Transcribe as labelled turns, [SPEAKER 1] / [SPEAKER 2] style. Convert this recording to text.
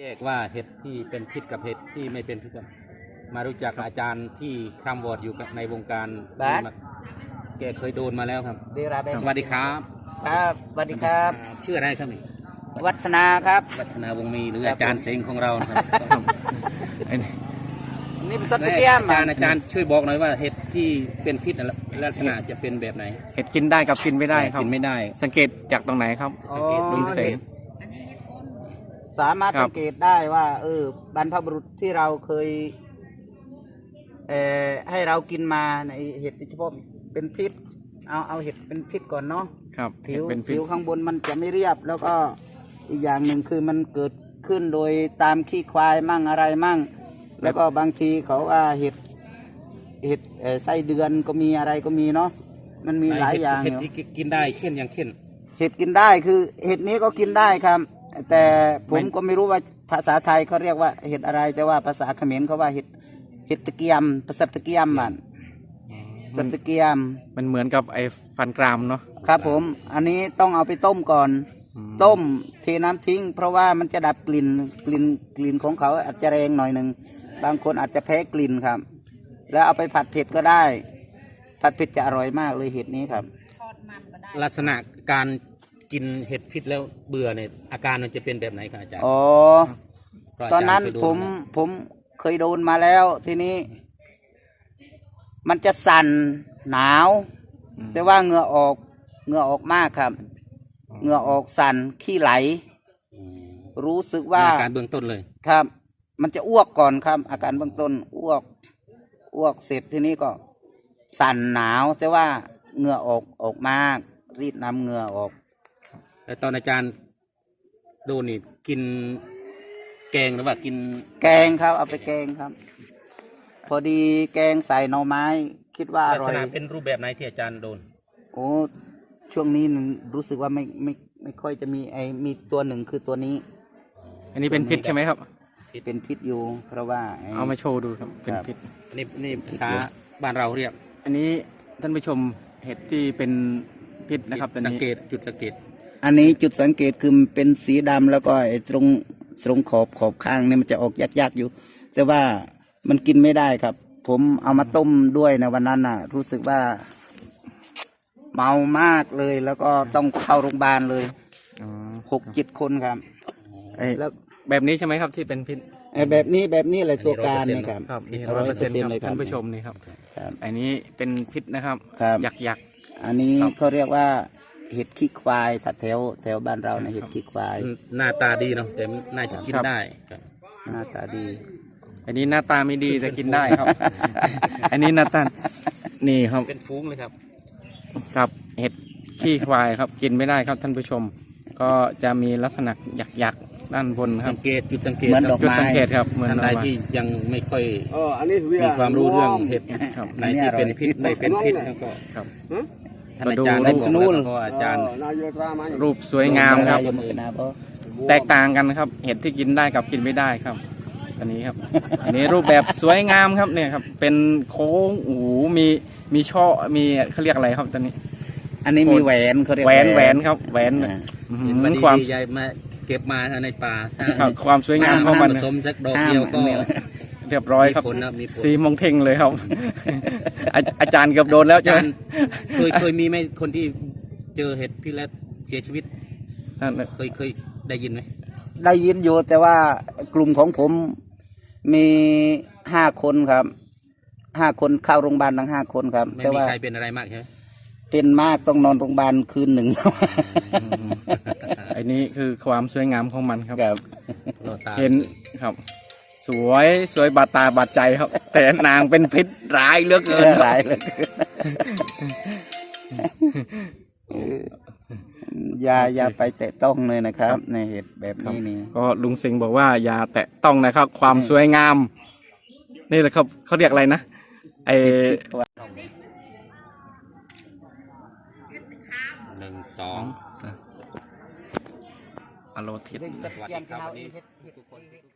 [SPEAKER 1] แยกว่าเห็ดที่เป็นพิษกับเห็ดที่ไม่เป็นพิษมารู้จักอาจารย์ที่คำวอร์ดอยู่ในวงการแกเคยโดนมาแล้วครับสวัสดีครับ
[SPEAKER 2] ครับสวัสดีครับ
[SPEAKER 1] ชื่ออะไรครับนี่
[SPEAKER 2] วัฒนาครับ
[SPEAKER 1] วัฒนาวงมีหรืออาจารย์เสงของเราครับ
[SPEAKER 2] นี่เป็นสัตว์เตี้ยม
[SPEAKER 1] อาจารย์ช่วยบอกหน่อยว่าเห็ดที่เป็นพิษลักษณะจะเป็นแบบไหน
[SPEAKER 3] เห็ดกินได้กับกินไม่ได้ครับ
[SPEAKER 1] กินไม่ได้
[SPEAKER 3] สังเกตจากตรงไหนครับ
[SPEAKER 1] สังเกต
[SPEAKER 3] ลุงเสง
[SPEAKER 2] สามารถสังเกตได้ว่าบรรพบุรุษที่เราเคยให้เรากินมาในเห็ดที่เฉพาะเป็นพิษเอาเห็ดเป็นพิษก่อนเนาะ
[SPEAKER 3] ครับ
[SPEAKER 2] ผิวข้างบนมันจะไม่เรียบแล้วก็อีกอย่างหนึ่งคือมันเกิดขึ้นโดยตามขี้ควายมั่งอะไรมั่งแล้วก็บางทีเขาว่าเห็ดไส้เดือนก็มีอะไรก็มีเนาะมันมีหลายอย่าง
[SPEAKER 1] เห็ดที่กินได้เช่นอย่างเช่น
[SPEAKER 2] เห็ดกินได้คือเห็ดนี้ก็กินได้ครับแต่ผมก็ไม่รู้ว่าภาษาไทยเขาเรียกว่าเห็ดอะไรแต่ว่าภาษาเขมรเขาว่าเห็ดตะเกียมภาษาตะเกียมมันสัตะเกียม
[SPEAKER 3] มันเหมือนกับไอ้ฟันกรามเนาะ
[SPEAKER 2] ครับผมอันนี้ต้องเอาไปต้มก่อนต้มเทน้ำทิ้งเพราะว่ามันจะดับกลิ่นของเขาอาจจะแรงหน่อยหนึ่งบางคนอาจจะแพ้กลิ่นครับแล้วเอาไปผัดเผ็ดก็ได้ผัดเผ็ดจะอร่อยมากเลยเห็ดนี้ครับ
[SPEAKER 1] ลักษณะการกินเห็ดพิษแล้วเบื่อเนี่ยอาการมันจะเป็นแบบไหนครับอาจารย์
[SPEAKER 2] ตอนนั้นผมเคยโดนมาแล้วทีนี้มันจะสั่นหนาวแต่ว่าเหงื่อออกมากครับเหงื่อออกสั่นขี้ไหลรู้สึกว่า
[SPEAKER 1] อาการเบื้องต้นเลย
[SPEAKER 2] ครับมันจะอ้วกก่อนครับอาการเบื้องต้นอ้วกเสร็จทีนี้ก็สั่นหนาวแต่ว่าเหงื่อออกมากรีดน้ำเหงื่อออก
[SPEAKER 1] แล้วตอนอาจารย์โดนนี่กินแกงหรือว่ากิน
[SPEAKER 2] แกงครับเอาไปแกงครับพอดีแกงใส่หน่อไม้คิดว่าอร่อย
[SPEAKER 1] ลักษณะเป็นรูปแบบไหนที่อาจารย์โดน
[SPEAKER 2] โอ้ช่วงนี้รู้สึกว่าไม่ค่อยจะมีตัวหนึ่งคือตัวนี้
[SPEAKER 3] อันนี้เป็นพิษใช่ไหมครับ
[SPEAKER 2] เป็นพิษอยู่เพราะว่า
[SPEAKER 3] เอามาโชว์ดูครับเป็นพิษ
[SPEAKER 1] นี่ภาษาบ้านเราเรียก
[SPEAKER 3] อันนี้ท่านผู้ชมเห็ดที่เป็นพิษนะครับ
[SPEAKER 1] สังเกตจุดสังเกต
[SPEAKER 2] อันนี้จุดสังเกตคือเป็นสีดำแล้วก็ตรงขอบข้างเนี่ยมันจะออกยากๆอยู่แต่ว่ามันกินไม่ได้ครับผมเอามาต้มด้วยในวันนั้นน่ะรู้สึกว่าเมามากเลยแล้วก็ต้องเข้าโรงพยาบาลเลย6-7 คนครับ
[SPEAKER 3] แล้วแบบนี้ใช่ไหมครับที่เป็นพิษ
[SPEAKER 2] แบบนี้อะไรตัวการนี่ครับ
[SPEAKER 3] 100%เลยท่านผู้ชมนี่ครับอันนี้เป็นพิษนะครับหยัก
[SPEAKER 2] อันนี้เขาเรียกว่าเห็ดขี้ควายสัตว์แถวบ้านเราเนี่ยเห็ดขี้ควาย
[SPEAKER 1] หน้าตาดีเนาะแต่น่าจะกินได้
[SPEAKER 2] หน้าตาดี
[SPEAKER 3] อันนี้หน้าตาไม่ดีแต่กินได้ครับอันนี้หน้าตานี่ครับ
[SPEAKER 1] เป็นฟุ้งเลยครับ
[SPEAKER 3] ครับเห็ดขี้ควายครับกินไม่ได้ครับท่านผู้ชมก็จะมีลักษณะหยักด้านบนครับ
[SPEAKER 1] จุดสังเกต
[SPEAKER 3] จุดสังเกตครับ
[SPEAKER 1] เหมือนท่านใดที่ยังไม่ค่อยมีความรู้เรื่องเห็ดไหนที่เป็นพิษไม่เป็นพิษก็
[SPEAKER 3] ครับ
[SPEAKER 1] ท่านอาจารย์ได้บอกแล้วก็อาจารย์
[SPEAKER 3] รูปสวยงามครับแตกต่างกันครับเห็ดที่กินได้กับกินไม่ได้ครับอันนี้ครับอันนี้รูปแบบสวยงามครับเนี่ยครับเป็นโค้งมีช่อมีเขาเรียกอะไรครับตอนนี้
[SPEAKER 2] อันนี้มีแหวนเขาเรียก
[SPEAKER 3] แหวนครับแหวน
[SPEAKER 1] ความใหญ่มาเก็บมาในป่า
[SPEAKER 3] ความสวยงามของมัน
[SPEAKER 1] ผสมสักดอกเดียวก็
[SPEAKER 3] เรียบร้อยครับสีมงเท่งเลยครับอาจารย์เกือบโดนแล้วใช่ไหม
[SPEAKER 1] เคยมีไหมคนที่เจอเห็ดพิษแล้วเสียชีวิตเคยได้ยินไหม
[SPEAKER 2] ได้ยินอยู่แต่ว่ากลุ่มของผมมี5 คนครับ5 คนเข้าโรงพยาบาลทั้ง5 คนครับ
[SPEAKER 1] แต่ว่าใครเป็นอะไรมากใช่ไหม
[SPEAKER 2] เป็นมากต้องนอนโรงพยาบาลคืนหนึ่ง
[SPEAKER 3] อันนี้คือความสวยงามของมันครับเห็นครับสวยบาดตาบาดใจครับแต่นางเป็นพิษร้ายเหลือเกิน
[SPEAKER 2] ร้ายเลยอย่าไปแตะต้องเลยนะครับในเหตุแบบนี้นี่
[SPEAKER 3] ก็ลุงสิงห์บอกว่าอย่าแตะต้องนะครับความสวยงามนี่แหละครับเขาเรียกอะไรนะ1
[SPEAKER 1] 2
[SPEAKER 3] อโลทิศ
[SPEAKER 1] สวัสดีครับ